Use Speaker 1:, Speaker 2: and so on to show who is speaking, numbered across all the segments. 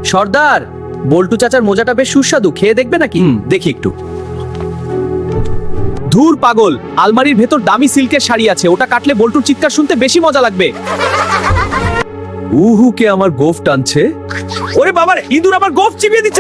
Speaker 1: সর্দার, বল্টু চাচার মোজাটা বেশ সুস্বাদু, খেয়ে দেখবে নাকি? দেখি একটু। ধুর পাগল, আলমারির ভেতর দামি সিল্কের শাড়ি আছে, ওটা কাটলে বল্টুর চিৎকার শুনতে বেশি মজা লাগবে। উহু, কে আমার গোফ টানছে? ওরে বাবার, ইঁদুর আমার গোফ চিবিয়ে দিচ্ছে।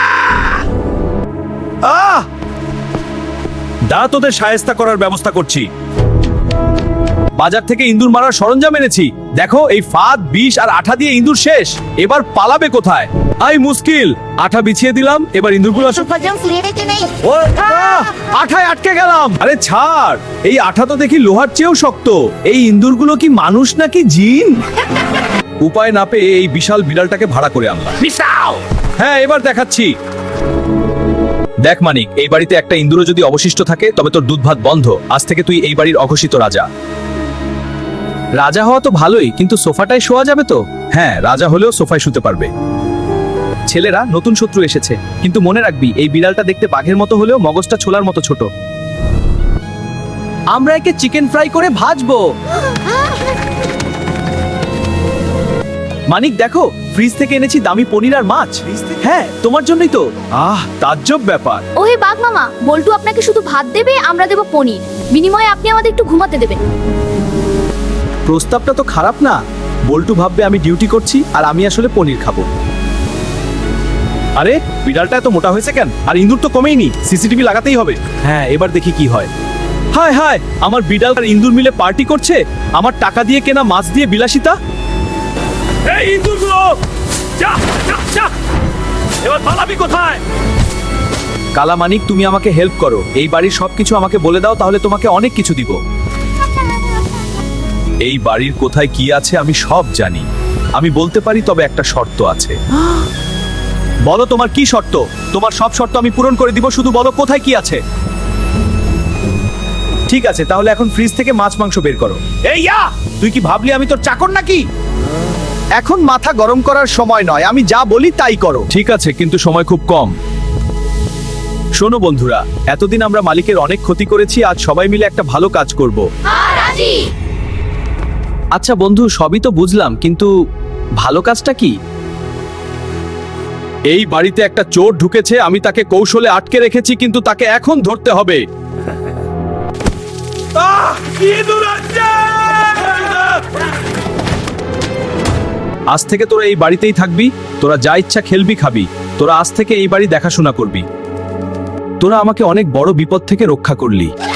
Speaker 1: আহ! দাঁড়া, তোদের শায়েস্তা করার ব্যবস্থা করছি। বাজার থেকে ইঁদুর মারার সরঞ্জাম এনেছি। দেখো, এই ফাঁদ, বিষ আর আঠা দিয়ে ইঁদুর শেষ। এবার পালাবে কোথায়? আই মুশকিল। আঠা বিছিয়ে দিলাম, এবার ইঁদুরগুলো আসুক। ও, আঠায় আটকে গেলাম। আরে ছাড়, এই আঠা তো দেখি লোহার চেয়েও শক্ত। এই ইঁদুরগুলো কি মানুষ নাকি জিন? উপায় না পেয়ে এই বিশাল বিড়ালটাকে ভাড়া করে আনলাম। হ্যাঁ, এবার দেখাচ্ছি। দেখ মানিক, এই বাড়িতে একটা ইঁদুরও যদি অবশিষ্ট থাকে তবে তোর দুধ ভাত বন্ধ। আজ থেকে তুই এই বাড়ির অঘোষিত রাজা। রাজা হওয়া তো ভালোই, কিন্তু সোফাটায় শোয়া যাবে তো? হ্যাঁ, রাজা হলেও সোফায় শুতে পারবে। ছেলেরা, নতুন শত্রু এসেছে, কিন্তু মনে রাখবি এই বিড়ালটা দেখতে বাঘের মতো হলেও মগজটা ছোলার মতো ছোট। আমরা একে চিকেন ফ্রাই করে ভাজবো। মানিক দেখো, ফ্রিজ থেকে এনেছি দামি পনির আর মাছ। হ্যাঁ, তোমার জন্যই তো। তাজ্জব ব্যাপার।
Speaker 2: ওহে বাঘ মামা, বল্টু আপনাকে শুধু ভাত দেবে, আমরা দেব পনির। বিনিময়ে আপনি আমাদের একটু ঘুমাতে দেবেন।
Speaker 1: প্রস্তাবটা তো খারাপ না। বল্টু ভাববে আমি ডিউটি করছি আর আমি আসলে পনির খাবো। আরে, বিড়ালটা এত মোটা হয়েছে কেন? আর ইঁদুর তো কমেইনি। সিসিটিভি লাগাতেই হবে। হ্যাঁ, এবার দেখি কি হয়। হায় হায়, আমার বিড়াল আর ইঁদুর মিলে পার্টি করছে। আমার টাকা দিয়ে কেনা মাছ দিয়ে বিলাসিতা। এই ইঁদুরগুলো, যা যা যা, এবার পালাবি কোথায়? কালা মানিক, তুমি আমাকে হেল্প করো। এই বাড়ির সবকিছু আমাকে বলে দাও, তাহলে তোমাকে অনেক কিছু দিব। এই বাড়ির কোথায় কি আছে আমি সব জানি। আমি বলতে পারি, তবে একটা শর্ত আছে। বলো, তোমার কি শর্ত? তোমার সব শর্ত আমি পূরণ করে দিব, শুধু বলো কোথায় কি আছে। ঠিক আছে, তাহলে এখন ফ্রিজ থেকে মাছ মাংস বের করো। এই ইয়া, তুই কি ভাবলি আমি তোর চাকর নাকি? এখন মাথা গরম করার সময় নয়, আমি যা বলি তাই করো। ঠিক আছে, কিন্তু সময় খুব কম। শোনো বন্ধুরা, এতদিন আমরা মালিকের অনেক ক্ষতি করেছি, আজ সবাই মিলে একটা ভালো কাজ করব। আচ্ছা বন্ধু, সবই তো বুঝলাম, কিন্তু ভালো কাজটা কি? এই বাড়িতে একটা চোর ঢুকেছে, আমি তাকে কৌশলে আটকে রেখেছি, কিন্তু তাকে এখন ধরতে হবে। আজ থেকে তোরা এই বাড়িতেই থাকবি। তোরা যা ইচ্ছা খেলবি, খাবি। তোরা আজ থেকে এই বাড়ি দেখাশোনা করবি। তোরা আমাকে অনেক বড় বিপদ থেকে রক্ষা করলি।